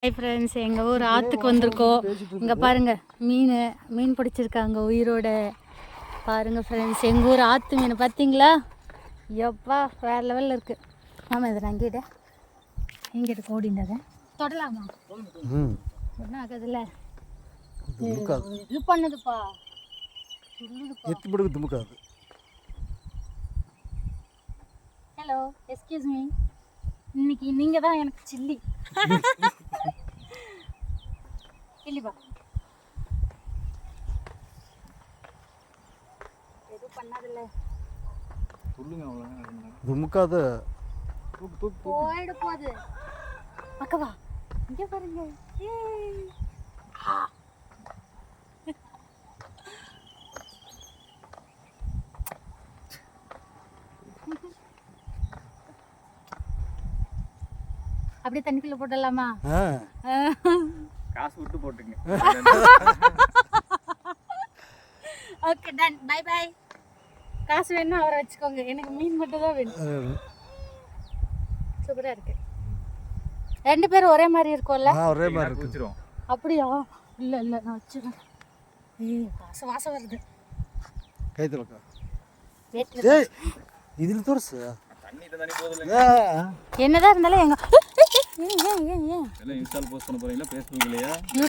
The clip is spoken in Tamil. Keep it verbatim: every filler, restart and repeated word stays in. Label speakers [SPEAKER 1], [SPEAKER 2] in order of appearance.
[SPEAKER 1] ஹாய் ஃப்ரெண்ட்ஸ், எங்கள் ஊர் ஆற்றுக்கு வந்திருக்கோம். இங்கே பாருங்கள், மீன் மீன் பிடிச்சிருக்காங்க உயிரோட. பாருங்கள் ஃப்ரெண்ட்ஸ், எங்கள் ஊர் ஆற்று மீன் பார்த்தீங்களா? எப்பா வேறு லெவலில் இருக்குது. ஆமாம், இதை நான் இங்கிட்ட இங்கிட்ட கோடிண்டதை தொடலாமா? ஒன்றும் ஆகாதுல்ல. இது பண்ணுதுப்பா, ஹலோ எஸ்கியூஸ் மீ, இன்னைக்கு நீங்கள் தான் எனக்கு சில்லி இல்லைப்பா, எதுவும் பண்ணாதில்ல.
[SPEAKER 2] துமுக்காத
[SPEAKER 1] போயிட போகுது. அக்கவா இங்கே பாருங்க. அப்படியே தண்ணிக்குள்ள போடலாமா?
[SPEAKER 3] காசு விட்டு போட்டுங்க.
[SPEAKER 1] Okay done, bye bye. காசு வேணும்னா அவரை வச்சுக்கோங்க, எனக்கு மீன் மட்டும் தான் வேணும். சூப்பராக இருக்கு. ரெண்டு பேரும் ஒரே மாதிரி இருக்கும்ல?
[SPEAKER 2] ஒரே மாதிரி இருக்கு.
[SPEAKER 1] அப்படியா? இல்லை இல்லை, நான் வச்சுருவேன். ஏய், வாசம் வாசம் வருது.
[SPEAKER 2] கை தலக்கா.
[SPEAKER 1] ஏய்,
[SPEAKER 2] இதில் தோர்சு
[SPEAKER 3] தண்ணி தண்ணி போதுல.
[SPEAKER 1] என்னதான் இருந்தாலும் எங்க ஏன் ஏன் ஏன் ஏன்
[SPEAKER 3] எல்லாம் இன்ஸ்டால் போஸ்ட் பண்ண போறீங்களா? ஃபேஸ்புக்லயா?